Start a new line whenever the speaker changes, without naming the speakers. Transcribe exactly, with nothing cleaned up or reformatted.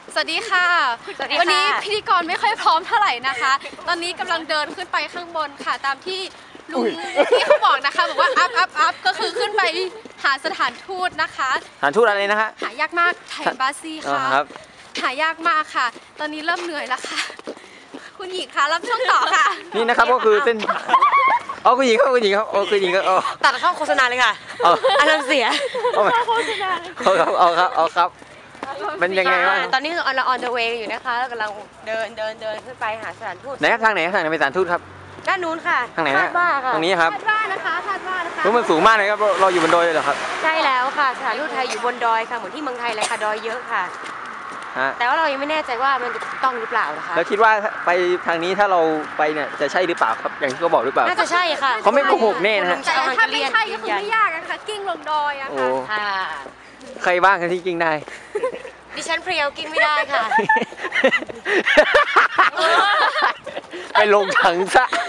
สวัสดีค่ะวันนี้พิธีกรไม่ค่อยพร้อมเท่าไหร่นะคะตอนนี้กำลังเดินขึ้นไปข้างบนค่ะตามที่ลุงที่เขาบอกนะคะบอกว่าอัพอัพอัพก็คือขึ้นไปหาสถานทูตนะคะ
สถานทูตอะไรนะฮะ
หายากมากไทยบาซีค่ะหายากมากค่ะตอนนี้เริ่มเหนื่อยแล้วค่ะคุณหญิงคะรับช่วงต่อค่ะ
นี่นะครับก็คือเส้นอ๋อคุณหญิงครับคุณหญิงครับอ๋อคุณหญิงก็อ๋อ
ตัดเข้าโฆษณาเลยค่ะอารมณ์เสีย
เข้าโฆษณา
เอาครับเอาครับเอาครับเป็นยังไงบ้าง
ตอนนี้เรา on the way อยู่นะคะแล้วกำลังเดินเดินเดินขึ้นไปหาสถานทูต
ไหนครับทางไหนทางไหนเป็นสถานทูตครับ
ด้านนู้นค่ะ
ทางไหนฮะตรงนี้ครับ
คาดว่านะคะคาดว่านะคะ
รู้มันสูงมากเลยครับเราอยู่บนดอยเลยเหรอครับ
ใช่แล้วค่ะสถานทูตไทยอยู่บนดอยค่ะเหมือนที่เมืองไทยเลยค่ะดอยเยอะค่ะแต่ว่าเรายังไม่แน่ใจว่ามันจะต้องหรือเปล่านะคะ
แล้วคิดว่าไปทางนี้ถ้าเราไปเนี่ยจะใช่หรือเปล่าครับอย่างที่เขาบอกหรือเปล่า
น่าจะใช่ค่ะ
เขาไม่โกหกแน่นะฮะ
แต่ถ้าไม่ใช่ก็คือไม่ยากนะคะกิ้งลงดอยอะ
ค่ะ
ใครบ้างที่กิ้งได้
ดิฉันเพรียวกิ้งไม่ได้ค่ะ
ไปลงถังซะ